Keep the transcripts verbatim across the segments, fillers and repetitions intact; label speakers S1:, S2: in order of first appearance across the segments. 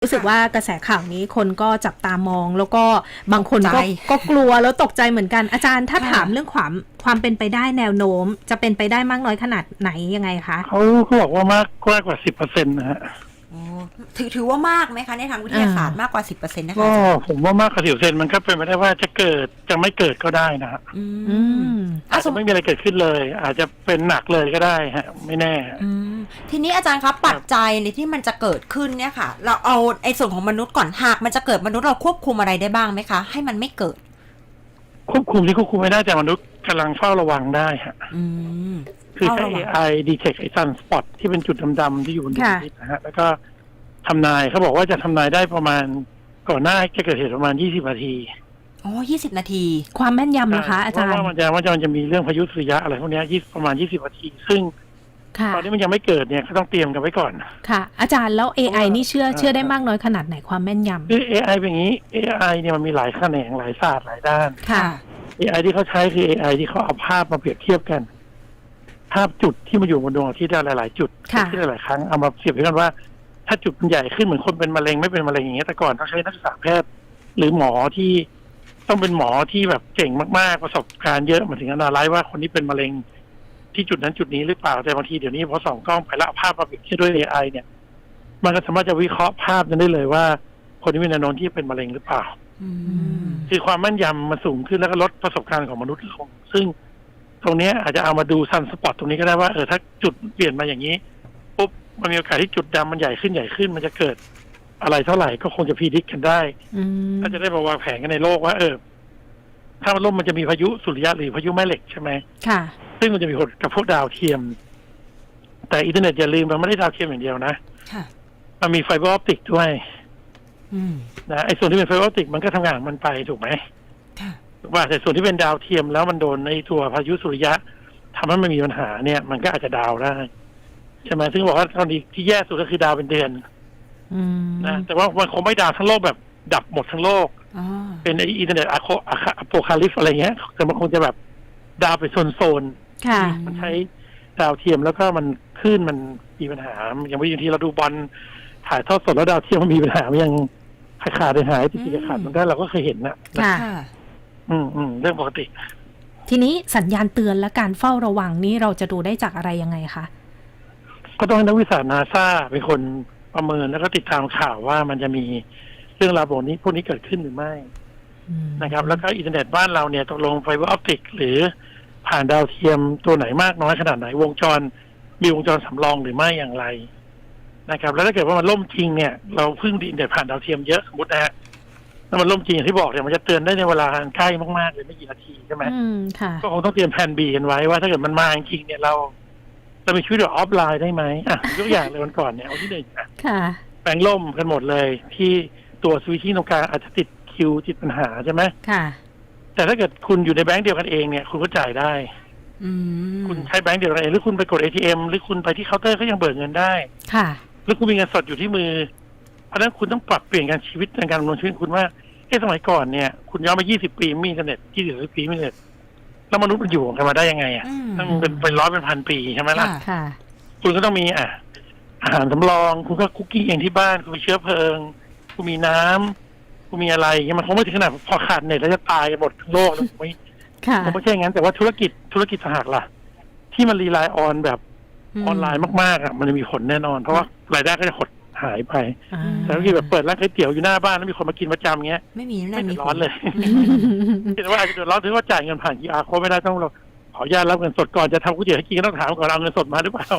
S1: รู้สึกว่ากระแสข่าวนี้คนก็จับตามองแล้วก็บางคนก็ก็กลัวแล้วตกใจเหมือนกันอาจารย์ถ้าถามเรื่องความความเป็นไปได้แนวโน้มจะเป็นไปได้มากน้อยขนาดไหนยังไงคะ
S2: เขาเขาบอกว่ามากมากกว่าสิบเปอร์เซ็นต์นะฮะ
S3: ถือถือว่ามากไหมคะในทางวิทยาศาสตร์มากกว่าสิบเปอร์เซ็นต์นะคะ
S2: ก็ผมว่ามากกว่าสิบเปอร์เซ็นต์มันก็เป็นไปได้ว่าจะเกิดจะไม่เกิดก็ได้นะฮะ
S3: อืม
S2: อาจจะไม่มีอะไรเกิดขึ้นเลย อาจจะเป็นหนักเลยก็ได้ฮะไม่แน่
S3: ทีนี้อาจารย์ครับปัจจัยในที่มันจะเกิดขึ้นเนี่ยค่ะเราเอาไอ้ส่วนของมนุษย์ก่อนหากมันจะเกิดมนุษย์เราควบคุมอะไรได้บ้างไหมคะให้มันไม่เกิด
S2: ควบคุมที่ควบคุมไม่ได้แต่มนุษย์กำลังเฝ้าระวังได้ฮะคือใช้ เอ ไอ detect ไอ้ sunspot ที่เป็นจุดดำๆที่อยู่บนดวงอาทิตย์นะฮะแล้วก็ทำนายเขาบอกว่าจะทำนายได้ประมาณก่อนหน้าจะเกิดเหตุประมาณยี่สิบนาที
S3: อ๋อยี่สิบนาที
S1: ความแม่นยำนะคะอาจารย์
S2: ว่ามันจะว่ามันจะมีเรื่องพายุสุริยะอะไรพวกนี้ประมาณยี่สิบนาทีซึ่งตอนนี้มันยังไม่เกิดเนี่ยก็ต้องเตรียมกันไว้ก่อน
S1: ค่ะอาจารย์แล้ว เอ ไอ นี่เชื่อเชื่อได้มากน้อยขนาดไหนความแม่นยำ
S2: คือ เอ ไอ เป็นอย่างนี้ เอ ไอ เนี่ยมันมีหลายแขนงหลายศาสตร์หลายด้าน
S1: ค่ะ
S2: เอ ไอ ที่เขาใช้คือ เอ ไอ ที่เขาเอาภาพมาเปรียบเทียบกันภาพจุดที่มาอยู่บนดวงอาทิตย์หลายๆจุดที่หลายๆครั้งเอามาเปรียบเทียบกันว่าถ้าจุดมันใหญ่ขึ้นเหมือนคนเป็นมะเร็งไม่เป็นมะเร็งอย่างเงี้ยแต่ก่อนต้องใช้นักศึกษาแพทย์หรือหมอที่ต้องเป็นหมอที่แบบเก่งมากๆประสบการณ์เยอะมาถึงอนาลัยว่าคนนี้เป็นมะเร็งที่จุดนั้นจุดนี้หรือเปล่าแต่บางทีเดี๋ยวนี้พอส่องกล้องไปแล้วภาพมาเปรียบเทียบด้วย เอ ไอ เนี่ยมันก็สามารถจะวิเคราะห์ภาพนั้นได้เลยว่าคนนี้มีแนวโน้มที่เป็นมะเร็งหรือเปล่าคือความแม่นยำมันสูงขึ้นแล้วก็ลดประสบการณ์ของมนุษย์ลงซึ่งตรงนี้อาจจะเอามาดูซันสปอตตรงนี้ก็ได้ว่าเออถ้าจุดเปลี่ยนมาอย่างนี้ปุ๊บมันมีโอกาสที่จุดดำมันใหญ่ขึ้นใหญ่ขึ้นมันจะเกิดอะไรเท่าไหร่ก็คงจะพิจิตรกันได้ก็จะได้มาวางแผนกันในโลกว่าเออถ้ามันล่มมันจะมีพายุสุริยะหรือพายุแม่เหล็กใช่ไหมค่ะซึ่งมันจะมีผลกับพวกดาวเทียมแต่อินเทอร์เน็ตอย่าลืมมันไม่ได้ดาวเทียมอย่างเดียวนะมันมีไฟเบอร์ออปติกด้วยนะไอ้ส่วนที่เป็นไฟเบอร์ออปติกมันก็ทำงานมันไปถูกไหมถูกป่ะแต่ส่วนที่เป็นดาวเทียมแล้วมันโดนในตัวพายุสุริยะทำให้มันมีปัญหาเนี่ยมันก็อาจจะดาวได้ใช่ไหมซึ่งบอกว่าตอนนี้ที่แย่สุดก็คือดาวเป็นเดือนนะแต่ว่ามันคงไม่ดาวทั้งโลกแบบดับหมดทั้งโลกเป็นไออินเทอร์เน็ตอะโพคาลิปอะไรเงี้ยแต่มันคงจะแบบดาวไปโซนๆมันใช้ดาวเทียมแล้วก็มันคลื่นมันมีปัญหาอย่างบางทีเราดูบอลถ่ายทอดสดแล้วดาวเทียมมันมีปัญหามันยังขาดหายติดติดขาดมันก็เราก็เคยเห็นนะ
S1: ค่ะ
S2: อืมอืมเรื่องปกติ
S1: ทีนี้สัญญาณเตือนและการเฝ้าระวังนี้เราจะดูได้จากอะไรยังไงคะ
S2: ก็ต้องให้นักวิชานาซาเป็นคนประเมินแล้วก็ติดตามข่าวว่ามันจะมีเรื่องราวแบบนี้พวกนี้เกิดขึ้นหรือไม่นะครับแล้วก็อินเทอร์เน็ตบ้านเราเนี่ยตกลงไฟเบอร์ออปติกหรือผ่านดาวเทียมตัวไหนมากน้อยขนาดไหนวงจรมีวงจรสำรองหรือไม่อย่างไรนะครับแล้วถ้าเกิดว่ามันล่มจริงเนี่ยเราพึ่งอินเทอร์เน็ตผ่านดาวเทียมเยอะสมมตินะฮะถ้ามันล่มจริงอย่างที่บอกเนี่ยมันจะเตือนได้ในเวลาใกล้มากๆเลยไม่กี่นาทีใช่ไหมก็คงต้องเตรียมแผน บี กันไว้ว่าถ้าเกิดมันมาจริงเนี่ยเราจะมีชีวิตแบบออฟไลน์ได้ไหมอ่ะยกอย่างเลยวันก่อนเนี่ยเอาที่หนึ่งอ่ะแปลงล่มกันหมดเลยที่ตัวสวิตชิ่งตรงกลางอาจจะติดคิวติดปัญหาใช่ไหมค่ะแต่ถ้าเกิดคุณอยู่ในแบงก์เดียวกันเองเนี่ยคุณก็จ่ายได้คุณใช้แบงก์เดียวกันเองหรือคุณไปกด เอ ที เอ็ม หรือคุณไปที่เคาน์เตอร์ก็ยังเบิกเงินได้ค่ะหรือคุณมีเงินสดอยู่ที่มือเพราะฉะนั้นคุณต้องปรับเปลี่ยนการชีวิตในการดำเนินชีวิตคุณว่าเอ๊ะสมัยก่อนเนี่ยคุณย้อนมายี่สิบปีมีอินเทอร์เน็ตยี่สิบปีมีอินเทอร์เน็ตแล้วมนุษย์มันอยู่กันมาได้ยังไงอ่ะตั้งเป็นเป็นร้อยเป็นพันปีใช่ไหมล่ะค่ะคุณก็ต้องมีอ่ะอาหารสำรองคุณก็คุกกิ้งเองที่บ้านคุณมีเชื้อเพลิงคุณมีน้ำคุณมีอะไรมันคงไม่ถึงขนาดพอขาดเน็ตแล้วจะตายกันหมดทั้งโลกแล้วไม่คงไม่ใช่งั้นแต่ว่าธุรกิจธุรกิจสหกล่ะที่มันรีไลน์ออนแบบออนไลน์มากๆอ่ะมันจะมีผลแน่นอนเพราะว่ารายได้ก็จะหดหายไปแต่ที่แบบเปิดร้านก๋วยเตี๋ยวอยู่หน้าบ้านแล้วมีคนมากินประจำเงี้ย
S3: ไม่มี
S2: ไม่เดือดร้อนเลยแต่ว่าอาจจะเดือดร้อนถึงว่าจ่ายเงินผ่าน คิว อาร์ Code ไม่ได้ต้องเราขออนุญาตรับเงินสดก่อนจะทำก๋วยเตี๋ยวให้กินก็ต้องถามก่อนเอาเงินสดมาหรือเปล่า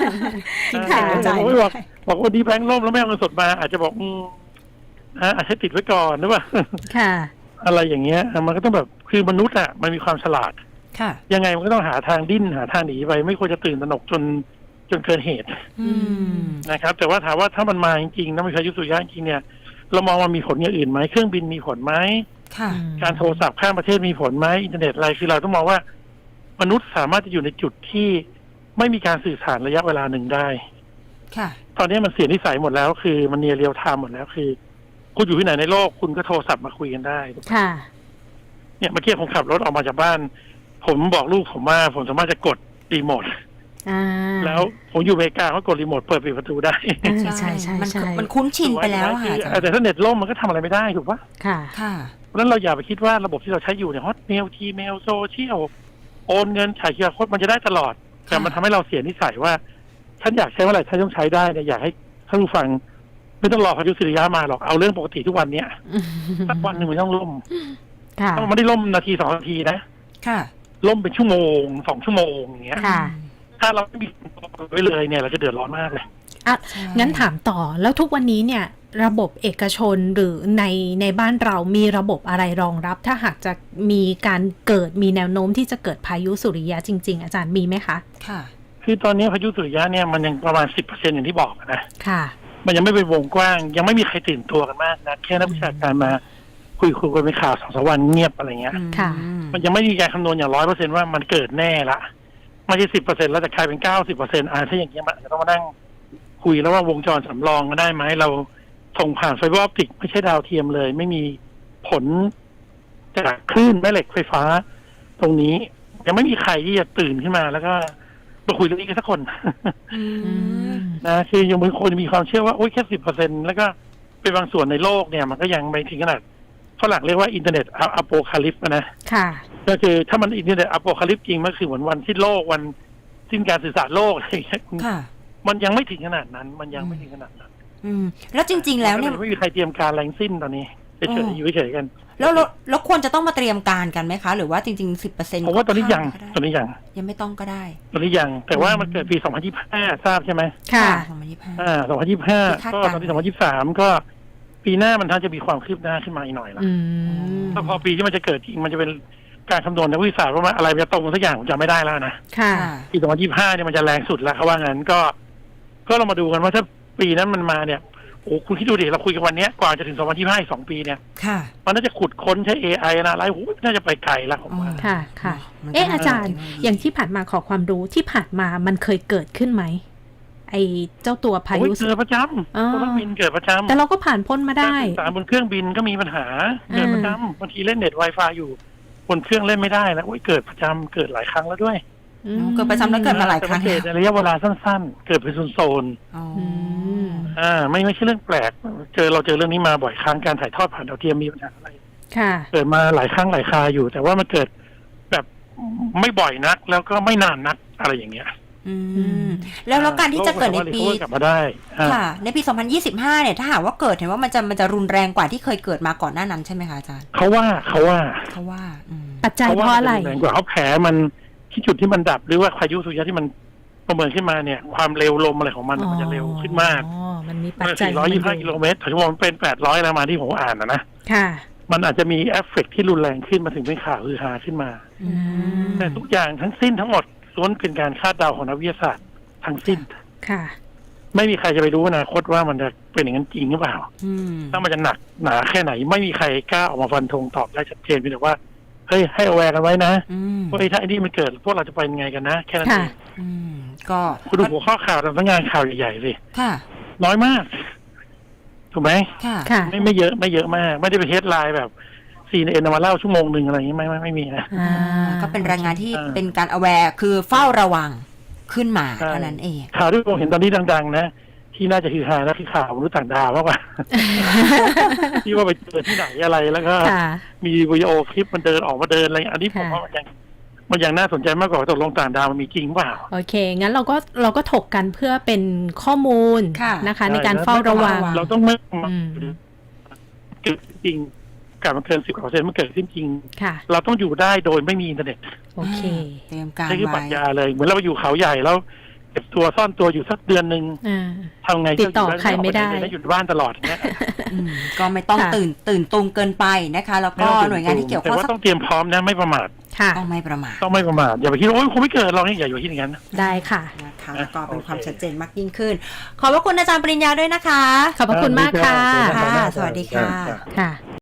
S2: บอกบอกว่าดีแบงค์ล่มแล้วไม่เอาเงินสดมาอาจจะบอกอืมอาจจะติดไว้ก่อนหรือเปล่าค่ะอะไรอย่างเงี้ยมันก็ต้องแบบคือมนุษย์อ่ะมันมีความฉลาดค่ะยังไงมันก็ต้องหาทางดิ้นหาทางหนีไปไม่ควรจะตื่นตระหนกจนจนเกินเหตุนะครับแต่ว่าถามว่าถ้ามันมาจริงๆนะมีพายุสุริยะจริงเนี่ยเรามองว่ามีผลอย่างอื่นไหมเครื่องบินมีผลไหมการโทรศัพท์ข้ามประเทศมีผลไหมอินเทอร์เน็ตอะไรคือเราต้องมองว่ามนุษย์สามารถจะอยู่ในจุดที่ไม่มีการสื่อสารระยะเวลาหนึ่งได้ค่ะตอนนี้มันเสียนิสัยหมดแล้วคือมันเนียเรียลไทม์หมดแล้วคือคุณอยู่ที่ไหนในโลกคุณก็โทรศัพท์มาคุยกันได้ค่ะเนี่ยเมื่อกี้ผมขับรถออกมาจากบ้านผมบอกลูกผมว่าผมสามารถจะกดรีโมท
S1: อ่า
S2: แล้วผมอยู่อเมริกาเขากดรีโมทเปิดปิดประตูได้
S1: อ่าใช่ใช่
S3: มัน
S1: ใช่
S3: มันคุ้นชินไปแล้วอะค่ะอาจารย์
S2: แต่ถ้าเน็ตล่มมันก็ทำอะไรไม่ได้ถูกปะ
S1: ค่ะ
S3: ค่ะ
S2: เพราะฉะนั้นเราอย่าไปคิดว่าระบบที่เราใช้อยู่เนี่ยฮอตเมลทีเมลโซเชียลโอนเงินถ่ายคิวอาร์โค้ดมันจะได้ตลอดแต่มันทำให้เราเสียนิสัยว่าฉันอยากใช้เมื่อไหร่ฉันต้องใช้ได้เนี่ยอยากให้ท่านผู้ฟังไม่ต้องรอพายุสุริยะมาหรอกเอาเรื่องปกติทุกวันเนี้ยสักวันหนึ่งมันต้องล่ม
S1: ค่ะ
S2: ถ้ามันไม่ได้ล่มนาทีสองนาทีนะ
S3: ค่ะ
S2: ล่มเป็นชั่วโมงสองชั่วโมงอย่างเงี้ย
S1: ค่ะ
S2: ถ้าเราไม่มีตัวไว้เลยเนี่ยเราจะเดือดร้อนมากเลย
S1: อ่ะ
S3: ใช่
S1: งั้นถามต่อแล้วทุกวันนี้เนี่ยระบบเอกชนหรือในในบ้านเรามีระบบอะไรรองรับ ถ้าหากจะมีการเกิดมีแนวโน้มที่จะเกิดพายุสุริยะจริง ๆ อาจารย์มีไหมคะ
S3: ค่ะ
S2: คือตอนนี้พายุสุริยะเนี่ยมันยังประมาณสิบเปอร์เซ็นต์อย่างที่บอกนะ
S1: ค่ะ
S2: มันยังไม่เป็นวงกว้างยังไม่มีใครตื่นตัวกันมากนะแค่นักวิชาการมาคุยคุยกันเป็นข่าวสองสามวันเงียบอะไรเงี้ย
S1: ค่ะ
S2: มันยังไม่มีการคำนวณอย่างร้อยเปอร์เซ็นต์ว่ามันเกิดแน่ละไม่ใช่สิบเปอร์เซ็นต์แล้วจะกลายเป็นเก้าสิบเปอร์เซ็นต์อ่าถ้าอย่างเงี้ยมันอาจจะต้องมานั่งคุยแล้วว่าวงจรสำรองก็ได้ไหมเราส่งผ่านไฟเบอร์ออปติกไม่ใช่ดาวเทียมเลย ไม่มีผลจากคลื่นแม่เหล็กไฟฟ้า ตรงนี้ยังไม่มีใครที่จะตื่นขึ้นมาแล้วก็มาคุยเรื่องนี้กันสักคน
S3: อืม
S2: นะคือยังมีคนมีความเชื่อว่าโอ้ยแค่สิบเปอร์เซ็นต์แล้วก็เป็นบางส่วนในโลกเนี่ยมันก็ยังไม่ถึงขนาดฝรั่งเรียกว่าอินเทอร์เน็ตอะโปคาลิปนะ
S1: ค่ะ
S2: ก็คือถ้ามันอินเทอร์เน็ตอะโปคาลิปจริงมันคือเหมือนวันสิ้นโลกวันสิ้นการสื่อสารโลกอะไรอย่างเงี้ย
S3: ค่ะ
S2: มันยังไม่ถึงขนาดนั้น มันยังไม่ถึงขนาดนั้น
S3: อืม แล้วจริง ๆ แล้วเนี่ย
S2: ไม่มีใครเตรียมการแรงสิ้นตอนนี้เฉยๆอยู่เฉยๆกัน
S3: แล้วแล้วแล้วควรจะต้องมาเตรียมการกันไหมคะ หรือว่าจริงๆสิบเปอร์เซ็นต์
S2: ผมว่าตอนนี้ยังตอนนี้ยัง
S3: ยังไม่ต้องก็ได้
S2: ตอนนี้ยังแต่ว่ามันเกิดปีสองพันยี่สิบห้าทราบใช่ไหม
S1: ค่ะ
S3: สองพันยี่สิบห้า
S2: อ่าสองพันยี่สิบห้า
S3: คาด
S2: ก็
S3: การณ์
S2: ตอนที่สองพันยี่สิบสามก็ปีหน้ามันท่านจะมีความคืบหน้าขึ้นมาอีกหน่อยละ
S1: อืม
S2: ถ้าพอปีที่มันจะเกิดจริงมันจะเป็นการคำนวณนักวิทยาศาสตร์ว่ามันอะไรมันจะตรงกันสักอย่างผมจำไม่ได้แล้วนะ
S1: ค่ะ
S2: ปีสองพันยี่สิบห้าเนี่ยมันจะแรงสุดแล้วเขาว่างั้นก็ ก็เรามาดูกันว่าถ้าปีนั้นมันมาเนี่ยโอ้คุณคิดดูดิเราคุยกันวันนี้กว่าจะถึงสองพันยี่สิบห้าอีกสองปีเนี่ย
S3: ค่ะ
S2: มันน่าจะขุดค้นใช้ เอ ไอ นะอะไรโอ้น่าจะไปไกลแล้วผมว่า
S1: ค่ะ ค่ะ
S3: มันก็
S1: เอ๊ะ
S3: น่า
S1: อาจารย์
S3: เทคโนโลยี
S1: อย่างที่ผ่านมาขอความรู้ที่ผ่านมามันเคยเกิดขึ้นไหม ไอเจ้าตัวพา
S2: โอ้ย
S1: ยุ
S2: เกิดประจ
S1: อ๋อ
S2: ำเครื่องบินเกิดประจำ
S1: แต่เราก็ผ่านพ้นมาได้
S2: การสื่อสารบนเครื่องบินก็มีปัญหาเกิดประจำบางทีเล่นเน็ต Wi-Fi อยู่บนเครื่องเล่นไม่ได้แล้วโอ้ยเกิดประจำเกิดหลายครั้งแล้วด้วย
S1: อืม
S3: เกิดประจำแล้วเกิดมาหลายครั้ง
S2: แต่มันเกิดในระยะเวลาสั้นๆ เกิดเป็นโซนๆ
S3: อ๋อ
S1: อืม
S2: อ่าไม่ไม่ใช่เรื่องแปลก เจอเราเจอเรื่องนี้มาบ่อยครั้งการถ่ายทอดผ่านดาวเทียมมีปัญหาอะไร
S1: ค่ะ
S2: เกิดมาหลายครั้งหลายคราอยู่ แต่ว่ามันเกิดแบบไม่บ่อยนัก แล้วก็ไม่นานนักอะไรอย่างเงี้ย
S3: อืม แล้วแล้วการที่จะเกิดในปี
S2: โลสามารถ recover กลับมาได้อ่า
S3: ค่ะ ในปี สองพันยี่สิบห้า เนี่ย ถ้าหากว่าเกิดเห็นว่ามันจะมันจะรุนแรงกว่าที่เคยเกิดมาก่อนหน้านั้นใช่ไหมคะอาจารย์
S2: เขาว่าเขาว่า
S3: เขาว่า อืม
S1: ปัจจัย
S2: เขา
S1: เพ
S2: ว่า
S1: ราะอะไร
S2: มันแรงกว่าเขาแผลมันที่จุดที่มันดับ หรือว่าพายุสุริยะที่มันประเมินขึ้นมาเนี่ย ความเร็วลมอะไรของมันมันจะเร็วขึ้นมาก
S1: อ๋อ มันมีปัจ
S2: เมื่อ
S1: จัย
S2: สี่ร้อยยี่สิบห้ากิโลเมตรถึงว่ามันเป็นแปดร้อยแล้วมาที่ผมอ่านนะนะ
S1: ค่ะ
S2: มันอาจจะมีเอฟเฟกต์ที่รุนแรงขึ้นมาถึงเป็นข่าวฮือฮาขึ้นมา
S3: อืม
S2: แต่ทุกอย่างทั้งสิ้นทั้งหมดล้วนเป็นการคาดเดาของนักวิทยาศาสตร์ทั้งสิ้น
S1: ค่ะ
S2: ไม่มีใครจะไปรู้อนาคตว่ามันจะเป็นอย่างนั้นจริงหรือเปล่า
S3: อืม
S2: ถ้ามันจะหนักหนาแค่ไหน ไม่มีใครกล้าออกมาฟันธงตอบได้ชัดเจนเพียงแต่ว่าเฮ้ยให้เอาแวร์กันไว้นะ
S3: อืม
S2: ว่าไอ้ถ้าไอ้นี่มันเกิดพวกเราจะไปยังไงกันนะ แค่นั้นเอ
S1: ค่ะ
S2: ง
S3: อืม ก็
S2: คุณดูหัวข้อข่าวทำงานข่าวใหญ่ๆสิ
S3: ค่ะ
S2: น้อยมากถูกไหม
S3: ค่ะ
S1: ค่ะ
S2: ไม่ไม่เยอะไม่เยอะมาก ไม่ได้ไปเฮดไลน์แบบซีเอ็นมาเล่าชั่วโมงหนึ่งอะไรอย่างนี้ไม่ไม่ไม่มีนะ
S1: อ่า
S3: ก็เป็นรายงานที่
S2: อ่า
S3: เป็นการ aware คือเฝ้าระวังขึ้นมา
S2: ใช่
S3: เท่านั้นเอง
S2: ข่าวที่ผมเห็นตอนนี้ดังๆนะที่น่าจะคือฮานะคือข่าวมนุษย์ต่างดาวมากกว่า ที่ว่าไปเจอที่ไหนอะไรแล้วก็
S1: ค่ะ
S2: มีวิดีโอคลิปมันเดินออกมาเดินอะไรอันนี้ผม
S1: ค่ะ
S2: ว่ามันยังมันยังน่าสนใจมากกว่าว่าตกลงต่างดาวมันมีจริงเปล่า
S1: โอเค งั้นเราก็เราก็ถกกันเพื่อเป็นข้อมูล
S3: ค่ะ
S1: นะคะ ใน
S2: ใช่
S1: การเฝ้าระวัง
S3: ระวัง
S2: เราต้องไม่
S1: อืม
S2: เกิดจริงกับมันเกินสิบเปอร์เซ็นต์มันเกิดขึ้นจริง
S1: ค่ะ
S2: เราต้องอยู่ได้โดยไม่มีอินเทอร์เน็ต
S1: โอเค
S3: เตรียมการ
S2: นี่คือปรั
S3: ไว้
S2: ชญาเลยเหมือนเราไปอยู่เขาใหญ่แล้วเก็บตัวซ่อนตัวอยู่สักเดือนหนึ่ง
S1: อ่า
S2: ทำไง
S1: ติดต่อใครไม่ได้
S2: แล้วอยู่บ้านตลอดอย่างเงี้ย
S3: อืมก็ไม่ต้อง
S1: ค่ะ
S3: ตื่นตื่นตูมเกินไปนะคะ แล้วก็หน่วยงานที่เกี่ยวข้อง
S2: แต่ว่า
S3: สัก
S2: ต้องเตรียมพร้อมนะไม่ประมาท
S1: ค่ะ
S3: ต้องไม่ประมาท
S2: ต้องไม่ประมาทอย่าไปคิดว่าโอ้ยคงไม่เกิดหรอกนี่อย่าอยู่ที่อย่างนั้น
S1: ได้ค่ะ
S3: นะคะแล้วก็เป็นความชัดเจนมากยิ่งขึ้น ขอบพระคุณอาจารย์ปริญญาด้วยนะคะ
S1: ขอบพระคุณมากค่ะ
S3: ค่ะสวัสดีค่ะ
S1: ค่ะ